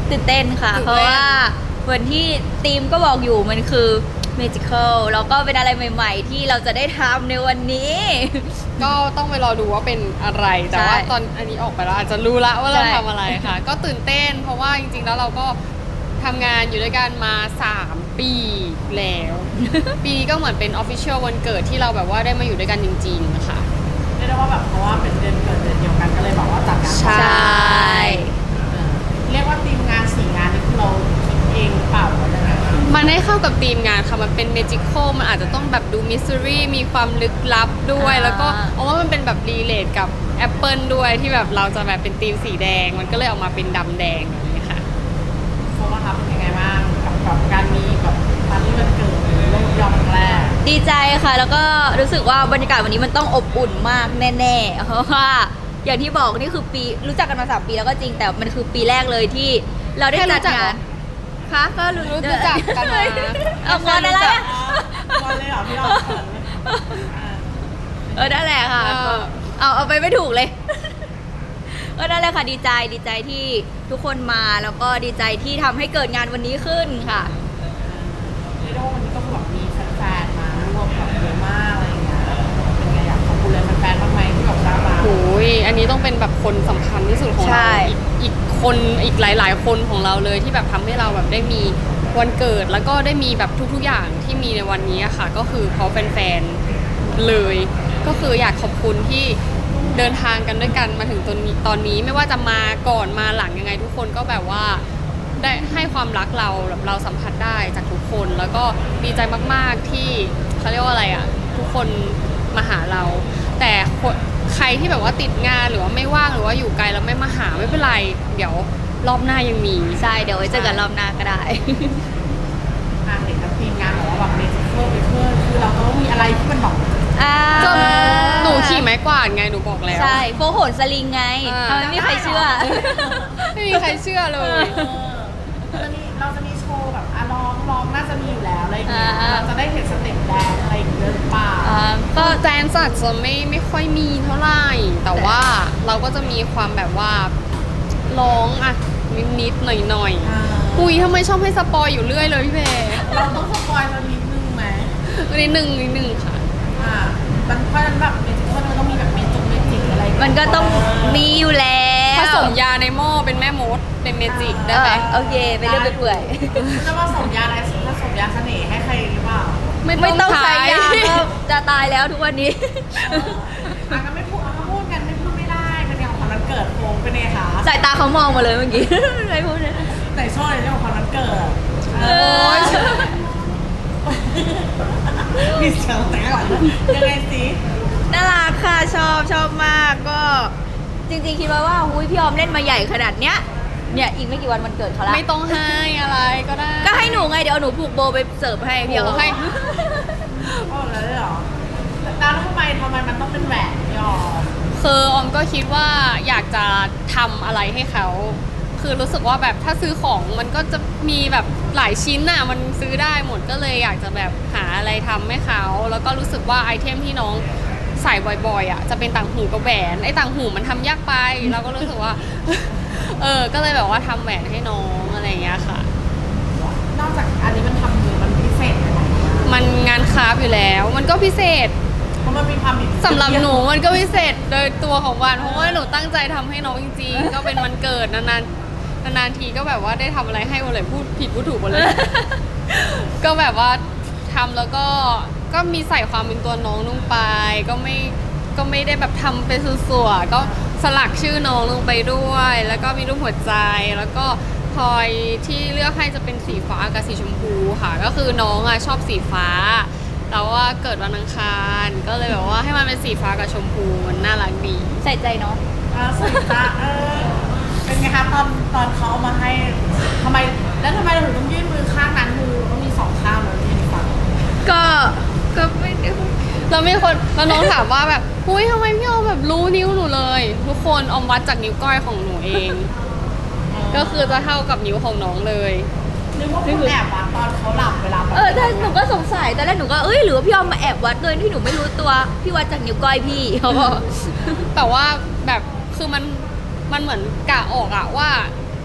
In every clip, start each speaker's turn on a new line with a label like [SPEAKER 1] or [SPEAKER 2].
[SPEAKER 1] ตื่นเต้นค่ะเพราะว่าเหมือนที่ทีมก็บอกอยู่มันคือ magical แล้วก็เป็นอะไรใหม่ๆที่เราจะได้ทำในวันนี้
[SPEAKER 2] ก็ต้องไปรอดูว่าเป็นอะไรแต่ว่าตอนอันนี้ออกไปแล้วอาจจะรู้ละว่าเราทำอะไรค่ะ ก็ตื่นเต้นเพราะว่าจริงๆแล้วเราก็ทำงานอยู่ด้วยกันมา3 ปีแล้ว ปีนี้ก็เหมือนเป็น official วันเกิดที่เราแบบว่าได้มาอยู่ด้วยกันจริงๆค่ะ
[SPEAKER 3] เรียกได้ว่าแบบเพราะว่าเป็นเดือนเกิดเดือนเดียวกันก็เลยบอกว่าจัดงาน
[SPEAKER 2] ใช่
[SPEAKER 3] เรียกว่าทีมงาน4 งานนี่คือเราคิดเองเปล่าหรือยังไง
[SPEAKER 2] มันได้เข้ากับธีมงานค่ะมันเป็น magical มันอาจจะต้องแบบดู mystery มีความลึกลับด้วย แล้วก็เอาว่ามันเป็นแบบ relate กับ Apple ด้วยที่แบบเราจะแบบเป็นธีมสีแดง มันก็เลยออกมาเป็นดำแดงแบบนี้ค่ะ
[SPEAKER 3] โฟว่าครับเป็นยังไงบ้างกับการมีแบบปาร์ตี้วันเกิดโลกยอมครั้งแรก
[SPEAKER 1] ดีใจค่ะ แล้วก็รู้สึกว่าบรรยากาศวันนี้มันต้องอบอุ่นมากแน่ๆเพราะว่าอย่างที่บอกนี่คือปีรู้จักกันมา3 ปีแล้วก็จริงแต่มันคือปีแรกเลยที่เราได้จัดงานคะก็รู้
[SPEAKER 2] จักกันมา
[SPEAKER 1] เอางานอะไรอะ
[SPEAKER 3] วันเลยเหรอพี่เรา
[SPEAKER 1] นั่นแหละค่ะ เอาไปไม่ถูกเลยนั่นแหละค่ะดีใจที่ทุกคนมาแล้วก็ดีใจที่ทำให้เกิดงานวันนี้ขึ้นค่ะ
[SPEAKER 3] เรียกได้ว่าวันนี้ก็แบบมีแฟนๆมาร่วมแบบเยอะมากอะไรอย่างเงี้ยเป็นไงอยากขอบคุณเลยแฟนๆบ้างไหมที่แบบมา
[SPEAKER 2] โอ้ยอันนี้ต้องเป็นแบบคนสำคัญที่สุดของ
[SPEAKER 1] ใช่
[SPEAKER 2] เราอีกคนอีกหลายๆคนของเราเลยที่แบบทำให้เราแบบได้มีวันเกิดแล้วก็ได้มีแบบทุกๆอย่างที่มีในวันนี้อะค่ะ ก็คือเพราะแฟนๆเลย ก็คืออยากขอบคุณที่เดินทางกันด้วยกันมาถึงตอนนี้ไม่ว่าจะมาก่อนมาหลังยังไงทุกคนก็แบบว่าได้ให้ความรักเราแบบเราสัมผัสได้จากทุกคน แล้วก็ดีใจมากๆที่เขาเรียกว่าอะไรอ่ะทุกคนมาหาเรา แต่ใครที่แบบว่าติดงานหรือว่าไม่ว่างหรือว่าอยู่ไกลแล้วไม่มาหาไม่เป็นไร เดี๋ยวรอบหน้ายังมี
[SPEAKER 1] ใช่เดี๋ยวไว้เจอกันรอบหน้าก็ได้
[SPEAKER 3] เห็นทั้งทีมงานบอกว่าแบบเมจิเคิลคือเราก็มีอะไรที่มันแบบ
[SPEAKER 2] จนหนูขี่ไม้กวาดไงหนูบอกแล้ว
[SPEAKER 1] ใช่โฟโหนสลิงไงทำไมไม่มีใครเชื่อ
[SPEAKER 2] ไม่มีใครเชื่อเลย
[SPEAKER 3] เราจะมีโชว์แบบร้องน่าจะมีอยู่แล้วอะไรอย่างเงี้ย
[SPEAKER 1] อ่า
[SPEAKER 3] เราจะได้เห็นสเต็ปแดนอะไรอย่างเงี้ยหรือเปล่า
[SPEAKER 1] ก็
[SPEAKER 2] แดนซ์อาจจะไม่ค่อยมีเท่าไหร่ แต่ว่าเราก็จะมีความแบบว่าร้องอะนิดๆหน่อยๆอุ้ยทำไมชอบให้สปอยอยู่เรื่อยเลยพี่เพ
[SPEAKER 3] เราต้องสปอยล์สักนิดนึงไหม
[SPEAKER 2] นิดนึงค่ะ
[SPEAKER 3] มันเพราะฉะนั้นแบบเมจิเคิลมันต้องมีแบบเมจิกอะไร
[SPEAKER 1] มันก็ต้องมีอยู่แล้ว
[SPEAKER 2] ผสมยาในหม้อเป็นแม่มดเป็นเมจิกได้ไหม
[SPEAKER 1] โอเคไปเรื่อยไปเปื่อย
[SPEAKER 3] จะผสมยาอะไรผสมยาเสน่ห์ให้ใครหรือเปล่า
[SPEAKER 1] ไม่ต้องใช้ยาก็จะตายแล้วทุกวันนี้
[SPEAKER 3] ก็ไม่พูดกันไม่พูดไม่ได้เป็นอย่างของวันเกิดโฟงเป็นไงคะ
[SPEAKER 1] สายตาเขามองมาเลยเมื่อกี้ ไม่พูดเลย
[SPEAKER 3] แต่ชอบในเรื่องของวันเกิด
[SPEAKER 1] โอ้ย
[SPEAKER 3] มีเสียงแต่ก่อนยังไงสิ
[SPEAKER 1] น่ารักค่ะชอบมากก็จริงๆคิดว่าหุ้ยพี่ออมเล่นมาใหญ่ขนาดเนี้ยเนี่ยอีกไม่กี่วันมันเกิดเขาละ
[SPEAKER 2] ไม่ต้องให้อะไรก็ได้
[SPEAKER 1] ก็ให้หนูไงเดี๋ยวเอาหนูผูกโบไปเสิร์ฟให้พี่ออม
[SPEAKER 2] ให้
[SPEAKER 3] โอ้แล้วเหรอแล้วทำไมมันต้องเป็นแหวนยอม
[SPEAKER 2] คือออมก็คิดว่าอยากจะทำอะไรให้เขา คือรู้สึกว่าแบบถ้าซื้อของมันก็จะมีแบบหลายชิ้นน่ะมันซื้อได้หมดก็เลยอยากจะแบบหาอะไรทำให้เขา แล้วก็รู้สึกว่าไอเทมที่น้องใส่บ่อยๆอ่ะจะเป็นต่างหูกับแหวนไอ้ต่างหูมันทำยากไปเราก็รู้สึกว่า ก็เลยแบบว่าทำแหวนให้น้องอะไรอย่างเงี้ยค่ะ
[SPEAKER 3] นอกจากอันนี้มันทำมือมันพิเศษยังไง
[SPEAKER 2] มันงานคราฟต์อยู่แล้วมันก็พิเศษ
[SPEAKER 3] เพราะมันมีความ
[SPEAKER 2] สำหรับหนูมันก็พิเศษโดยตัวของวันเพราะว่าหนูตั้งใจทำให้น้องจริงๆ ก็เป็นวันเกิดนานๆทีก็แบบว่าได้ทำอะไรให้หมดเลยพูดผิดพูดถูกหมดเลย ก็แบบว่าทำแล้วก็มีใส่ความเป็นตัวน้องลงไปก็ไม่ได้แบบทำเป็นส่วนๆก็สลักชื่อน้องลงไปด้วย แล้วก็มีรูปหัวใจแล้วก็พลอยที่เลือกให้จะเป็นสีฟ้ากับสีชมพูค่ะ ก็คือน้องชอบสีฟ้าแต่ว่าเกิดวันอังคารก็เลยแบบว่าให้มันเป็นสีฟ้ากับชมพูมันน่ารักดี
[SPEAKER 1] ใส่ใจเนาะ
[SPEAKER 3] สวยจ้าเป็นไงคะตอนเขาเอามาให้ทำไมเราถึงต้องยื่นมือข้างนั้นมือต้องมี2 ข้างเลยที่ฝั่ง
[SPEAKER 1] ก็ไม่ได้
[SPEAKER 2] แล้วมีคนแล้วน้องถามว่าแบบอุ้ยทำไมพี่ออมแบบรู้นิ้วหนูเลย ทุกคนออมวัดจากนิ้วก้อยของหนูเอง ก็คือจะเท่ากับนิ้วของน้องเลย
[SPEAKER 3] นึกว่าคุณแอบวัดตอนเขาหลับเวลาแบบ
[SPEAKER 1] แต่หนูก็สงสัยตอนแรกหนูก็หรือว่าพี่ออมมาแอบวัดโดยที่หนูไม่รู้ตัวพี่วัดจากนิ้วก้อยพี่เขาบอก
[SPEAKER 2] แต่ว่าแบบคือมันเหมือนกะออกอะว่า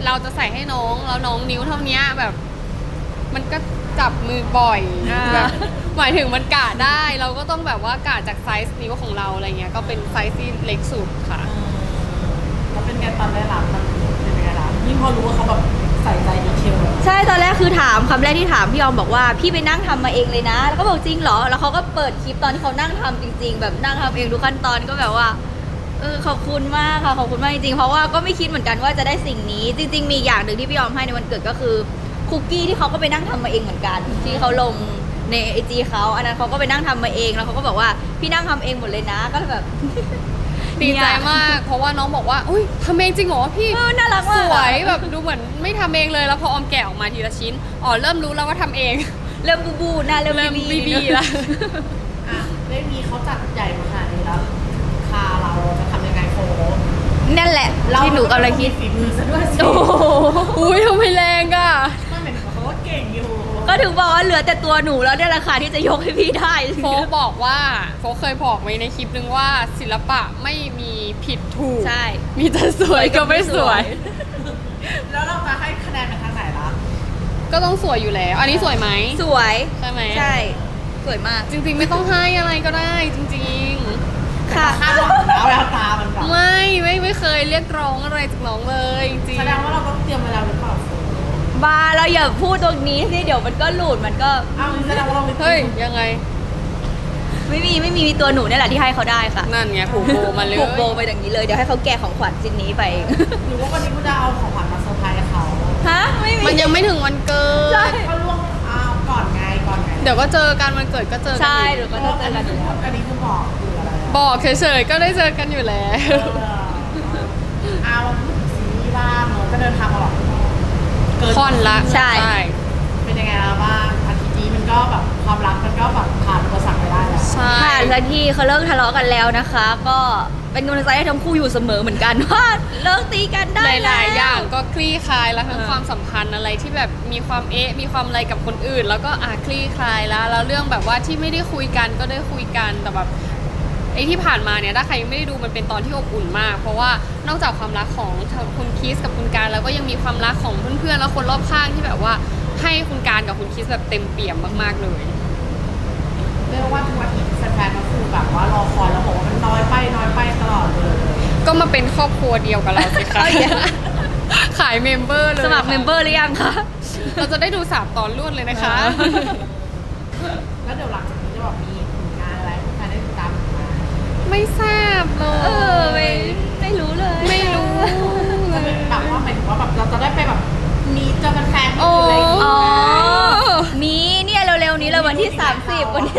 [SPEAKER 2] เราจะใส่ให้น้องแล้วน้องนิ้วเท่าเนี้ยแบบ มันก็จับมือบ่อยแบบหมายถึงมันกะได้เราก็ต้องแบบว่ากะจากไซส์นิ้วของเราอะไรเงี้ยก็เป็นไซส์ที่เล็กสุดค่ะ
[SPEAKER 3] แล้วเป็นไงตอนได้รับมันเป็นไงล่ะยิ่งพอรู้ว่าเขาแบบใส่ใจดีเทลแบบ
[SPEAKER 1] ใช่ตอนแรกคือถามคำแรกที่ถามพี่ออมบอกว่าพี่ไปนั่งทำมาเองเลยนะ แล้วก็บอกจริงเหรอแล้วเขาก็เปิดคลิปตอนที่เขานั่งทำจริง ๆ แบบนั่งทำเองทุกขั้นตอนก็แบบว่าขอบคุณมากค่ะขอบคุณมากจริงๆเพราะว่าก็ไม่คิดเหมือนกันว่าจะได้สิ่งนี้ จริง ๆ มีอย่างหนึ่งที่พี่ออมให้ในวันเกิดก็คือคุกกี้ที่เขาก็ไปนั่งทำมาเองเหมือนกัน ที่เขาลงในไอจีเขาอันนั้นเขาก็ไปนั่งทำมาเองแล้วเขาก็บอกว่าพี่นั่งทำเองหมดเลยนะก็แบบ
[SPEAKER 2] ดีใจมากเพราะว่าน้องบอกว่าอุ้ยทำเองจริงเหรอพี่
[SPEAKER 1] น่ารัก
[SPEAKER 2] ส
[SPEAKER 1] มาก
[SPEAKER 2] วยแบบดูเหมือนไม่ทำเองเลยแล้วพอออมแกะออกมาทีละชิ้นอ๋อเริ่มรู้แล้วว่าทำเอง
[SPEAKER 1] เริ่มบูบูนะเริ่ม
[SPEAKER 2] บีบีละ
[SPEAKER 3] อ่ะได้มีเขาจัดใหญ่มาขนาดนี้แล้วคาเราจะทำยังไงโฟ
[SPEAKER 1] นั่นแหละที่หนูกำลังคิด
[SPEAKER 3] ฝีมือซะด้วยสิ
[SPEAKER 1] โอ้โห
[SPEAKER 2] อุ้ยทำไมแรงอ่ะ
[SPEAKER 3] ไม่เหมือนเขาว่าเก่งอยู่
[SPEAKER 1] ก็ถึงบอกว่าเหลือแต่ตัวหนูแล้วเนี่ยราคาที่จะยกให้พี่ได้
[SPEAKER 2] โฟกบอกว่าโฟกเคยบอกไว้ในคลิปนึงว่าศิลปะไม่มีผิดถูก
[SPEAKER 1] ใช่
[SPEAKER 2] มีแต่สวยกับไม่สวย
[SPEAKER 3] แล้วเราจะให้คะแนนไปทางไหนล่ะ
[SPEAKER 2] ก็ต้องสวยอยู่แล้ว อันนี้สวยไหม
[SPEAKER 1] สวย
[SPEAKER 2] ใช่ไหม
[SPEAKER 1] ใช่ สวยมาก
[SPEAKER 2] จริงๆไม่ต้องให้อะไรก็ได้จริง
[SPEAKER 1] ค่ะ
[SPEAKER 3] คาดหวังแล้วแววตามันแบบ
[SPEAKER 2] ๆ ไม่เคยเรียกร้องอะไรจากน้องเลยจริง
[SPEAKER 3] แสดงว่าเราต้องเตรียมไว้แล้วหรือเปล่าโฟ
[SPEAKER 1] บาเราอย่าพูดตรงนี้สิเดี๋ยวมันก็หลุดมันก็
[SPEAKER 3] อ้าวแสดงว่าเราไม่
[SPEAKER 2] เฮ้ยยังไง
[SPEAKER 1] ไม่มีตัวหนูเนี่ยแหละที่ให้เขาได้ค่ะ
[SPEAKER 2] นั่นไงผูกโบมาเลย
[SPEAKER 1] ผูกโบไปอย่างนี้เลยเดี๋ยวให้เขาแกะของขวัญชิ้นนี้ไป
[SPEAKER 3] หรือว่าวันนี้กูจะเอาของขวัญมาเซอร์ไพรส์เขา
[SPEAKER 1] ฮะไม่มี
[SPEAKER 2] มันยังไม่ถึงวันเกิ
[SPEAKER 1] ใช่
[SPEAKER 2] ด
[SPEAKER 3] ก็ล่วงอ้าวก่อนไง
[SPEAKER 2] เดี๋ยวก็เจอกันวันเกิดก็เจอกั
[SPEAKER 1] ใช่
[SPEAKER 2] อีก
[SPEAKER 1] หรือก็จะเจอกันอยู่แล้ว
[SPEAKER 3] อันนี้คือบอกคืออะไรอะ
[SPEAKER 2] บอกเฉยๆก็ได้เจอกันอยู่แล้ว
[SPEAKER 3] เอาซีรีส์บ้างเนอะก็เดินทางมาแบบเกิน
[SPEAKER 2] ค่อนละ
[SPEAKER 1] ใช่
[SPEAKER 3] เป็นยังไงแล้วบ้างอาทิตย์นี้มันก็แบบความรักมันก็แบบผ่านอุปสรรคไปได้แล้ว
[SPEAKER 2] ใช่
[SPEAKER 1] ผ่านสักทีเขาเลิกทะเลาะกันแล้วนะคะ ก็เป็นกำลังใจให้ทั้งคู่อยู่เสมอเหมือนกันว่าเลิกตีกันได้
[SPEAKER 2] หลายๆ
[SPEAKER 1] แล้ว
[SPEAKER 2] อย่างก็คลี่คลายแล้วทั้ง
[SPEAKER 1] อ่า
[SPEAKER 2] ความสัมพันธ์อะไรที่แบบมีความมีความอะไรกับคนอื่น แล้วก็คลี่คลายแล้วเรื่องแบบว่าที่ไม่ได้คุยกันก็ได้คุยกันแต่แบบไอ้ที่ผ่านมาเนี่ยถ้าใครยังไม่ได้ดูมันเป็นตอนที่อบอุ่นมาก เพราะว่านอกจากความรักของคุณคิสกับคุณการแล้วก็ยังมีความรักของเพื่อนๆแล้วคนรอบข้างที่แบบว่าให้คุณการกับคุณคิสแบบเต็มเปี่ยมมากๆเลย
[SPEAKER 3] เรียกว่าทุกอาทิตย์แฟนๆก็คือแบบว่ารอคอยแล้วบอกว่ามันน้อยไปตลอดเลย
[SPEAKER 2] ก็มาเป็นครอบครัวเดียวกับเราสิคะ
[SPEAKER 1] เอาอย่าง
[SPEAKER 2] ขายเมมเบอร์เลย
[SPEAKER 1] สมัครเมมเบอร์หรือยังคะ
[SPEAKER 2] เราจะได้ดู3 ตอนรวดเลยนะคะ
[SPEAKER 3] แล้วเดี๋ยวหลังจากนี้จะแบบมีผลงานอะไรให้แฟนได้ติดตามอีกไหม
[SPEAKER 2] ไม่ทราบเล
[SPEAKER 1] ไม่รู้เลย
[SPEAKER 2] ไม่รู้
[SPEAKER 3] จะเป็นแบบว่าหมายถึงว่าแบบเราจะได้ไปแบบมีเจอแฟนๆที่
[SPEAKER 2] โอ้
[SPEAKER 3] อื่นอะไรอย่างงี้
[SPEAKER 1] อ๋อ
[SPEAKER 3] ไหม
[SPEAKER 1] มีเนี่ยเร็วๆนี้เลยวันที่ 30 วันที่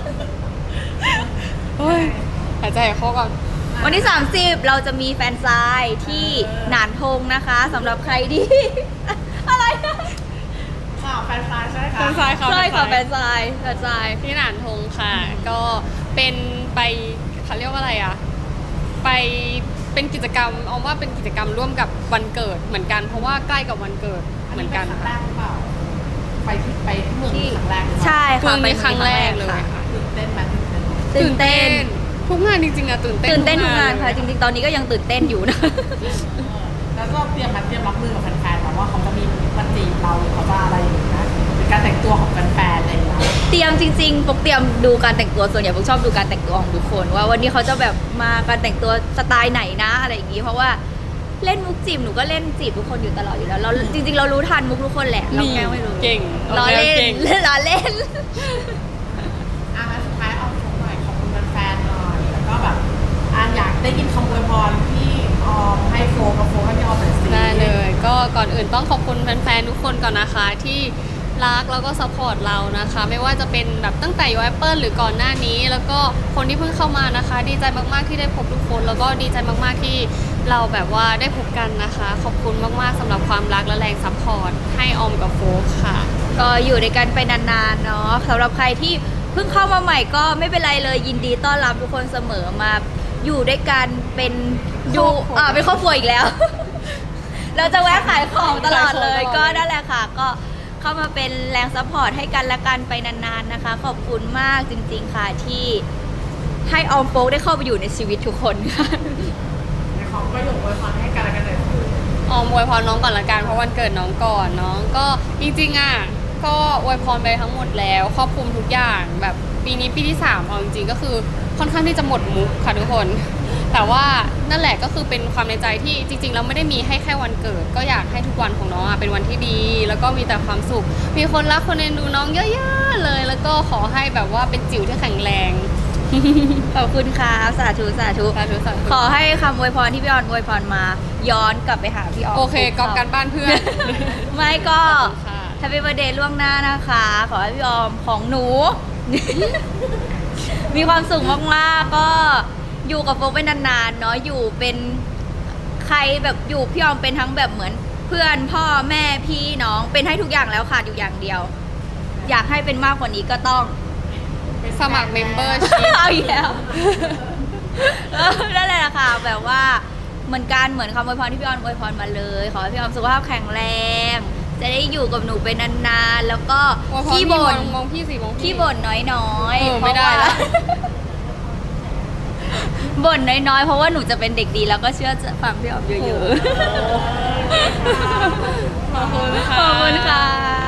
[SPEAKER 2] เฮ้ยหายใจเข้าก่อน
[SPEAKER 1] 30 วันที่ 30 เราจะมีแฟนซายที่หนานทงนะคะสำหรับใครที่ อะไรนะ
[SPEAKER 3] ข่าวแฟนๆใช่ไหมคะ
[SPEAKER 2] แฟนซายค่ะ
[SPEAKER 1] ใช่ค่ะแฟ
[SPEAKER 2] แฟ
[SPEAKER 1] น
[SPEAKER 2] น
[SPEAKER 1] ซายแฟนซาย
[SPEAKER 2] ที่หนานทงค่ะ ก็เป็นไปเขาเรียกว่าอะไรอ่ะ ไปเป็นกิจกรรมเอาว่าเป็นกิจกรรมร่วมกับวันเกิดเหมือนกัน เพราะว่าใกล้กับวันเกิดเหมือนกัน
[SPEAKER 3] ครั้งแรกหรือเปล่าไปที่เมือง
[SPEAKER 1] ที่
[SPEAKER 3] ครั้งแรกหรือเปล่า
[SPEAKER 1] ใช่
[SPEAKER 2] เพิ่
[SPEAKER 1] ค่ะ
[SPEAKER 2] งในครั้งแรกเลย
[SPEAKER 1] ค่ะ
[SPEAKER 2] ค่ะ
[SPEAKER 3] ตื่นเต้นไหม
[SPEAKER 1] ตื่นเต้น
[SPEAKER 2] ทุกงานจริงๆอะตื่นเต้น
[SPEAKER 1] ตื่นเต้นทุกงานค่ะ
[SPEAKER 2] เลย
[SPEAKER 1] จริงๆ ตอนนี้ก็ยังตื่นเต้นอยู่นะ
[SPEAKER 3] แล้วก็เตรียมรับมือกับแฟนๆแบบว่าเขาจะมีมาจีบเราหรือเขาจะอะไรอย่างเงี้ยเป็นการแต่งตัวของแฟนๆอะไรอย่างเงี้ย
[SPEAKER 1] เตรียมจริงๆปกเตรียมดูการแต่งตัวส่วนใหญ่ปกชอบดูการแต่งตัวของทุกคน ว่าวันนี้เขาจะแบบมาการแต่งตัวสไตล์ไหนนะอะไรอย่างงี้เพราะว่าเล่นมุกจีบหนูก็เล่นจีบทุกคนอยู่ตลอดอยู่แล้วเราจริงๆ เรารู้ทันมุกทุกคนแหละเราแค่ไม่รู้
[SPEAKER 2] เก่ง
[SPEAKER 1] ล้อเล่
[SPEAKER 2] เก่
[SPEAKER 1] น
[SPEAKER 2] ง
[SPEAKER 1] ล้อเล่น
[SPEAKER 3] งั้นสุดท้ายเอาของหน่อยขอบคุณแฟนๆหน่อยแล้วก็แบบอยากได้ยินคำอวยพรที่ออมให้โฟกับโฟให้พี่ออมหน่อยสิ
[SPEAKER 2] ได้เลย ก็ก่อนอื่นต้องขอบคุณแฟนๆทุกคนก่อนนะคะที่รักแล้วก็ซัพพอร์ตเรานะคะ ไม่ว่าจะเป็นแบบตั้งแต่ยูแอปเปิลหรือก่อนหน้านี้ แล้วก็คนที่เพิ่งเข้ามานะคะ ดีใจมากๆที่ได้พบทุกคน แล้วก็ดีใจมากๆที่เราแบบว่าได้พบกันนะคะ ขอบคุณมากๆสำหรับความรักและแรงซัพพอร์ตให้ออมกับโฟกค่ะ
[SPEAKER 1] ก็อยู่ด้วยกันไปนานๆเนาะสำหรับใครที่เพิ่งเข้ามาใหม่ก็ไม่เป็นไรเลยยินดีต้อนรับทุกคนเสมอมาอยู่ด้วยกันเป็นอยู่
[SPEAKER 2] ครอบครัว
[SPEAKER 1] เป็นครอบครัวอีกแล้ว เราจะแวะขายของตลอดเลย
[SPEAKER 2] ขายของตลอดเลย
[SPEAKER 1] ก็นั่นแหละค่ะ ก็เข้ามาเป็นแรงซัพพอร์ตให้กันและกันไปนานๆนะคะ ขอบคุณมากจริงๆค่ะที่ให้ออมโฟกได้เข้าไปอยู่ในชีวิตทุกคนค่ะ
[SPEAKER 3] ในของประโยคอวยพรให้กันและกันหน่อยคือ
[SPEAKER 2] ออมอวยพรน้องก่อนละกันเพราะวันเกิดน้องก่อนน้องก็จริงๆอ่ะก็อวยพรไปทั้งหมดแล้วครอบคลุมทุกอย่างแบบปีนี้ปีที่3เอาจริงๆก็คือค่อนข้างที่จะหมดมุกค่ะทุกคน แต่ว่านั่นแหละก็คือเป็นความในใจที่จริงๆเราไม่ได้มีให้แค่วันเกิด ก็อยากให้ทุกวันของน้องเป็นวันที่ดี แล้วก็มีแต่ความสุข มีคนรักคนเอ็นดูน้องเยอะๆเลย แล้วก็ขอให้แบบว่าเป็นจิ๋วที่แข็งแรง
[SPEAKER 1] ขอบคุณค่ะสาธุสาธุ
[SPEAKER 2] สาธุสาธุ
[SPEAKER 1] ขอให้คำอวยพรที่พี่ออนอวยพรมา ย้อนกลับไปหาพี่ออน
[SPEAKER 2] โอเคก๊อปกันบ้านเพื่อน
[SPEAKER 1] ไม่ก็
[SPEAKER 2] ขอบคุณค่ะ
[SPEAKER 1] แฮปปี้เบ t ร์ a เดย์ล่วงหน้านะคะ ขอให้พี่ออมของหนู มีความสุขมากๆ ก็อยู่กับโฟกไปนานๆ เนาะอยู่เป็นใครแบบอยู่พี่ออมเป็นทั้งแบบเหมือนเพื่อนพ่อแม่พี่น้องเป็นให้ทุกอย่างแล้วขาดอยู่อย่างเดียว อยากให้เป็นมากกว่านี้ก็ต้อง
[SPEAKER 2] สมัครเมมเบอร์ชิพ
[SPEAKER 1] เอาอีกแล้วนั่นแหละค่ะแบบว่าเหมือนกันเหมือนคำอวยพรที่พี่ออนอวยพรมาเลย ขอให้พี่ออนสุขภาพแข็งแรง จะได้อยู่กับหนูเป็นนานๆแล้วก็
[SPEAKER 2] ว่าพอ
[SPEAKER 1] ขี้บ่น
[SPEAKER 2] มองพี่สิมองพี่
[SPEAKER 1] ขี้บ่นน้อยๆ
[SPEAKER 2] ไม่ได้
[SPEAKER 1] เพราะว่า
[SPEAKER 2] ละ
[SPEAKER 1] บ่นน้อยๆ เพราะว่าหนูจะเป็นเด็กดีแล้วก็เชื่อจะฟังพี่ออมเยอะๆ
[SPEAKER 2] ขอบคุณค่ะ
[SPEAKER 1] ขอบคุณค่ะ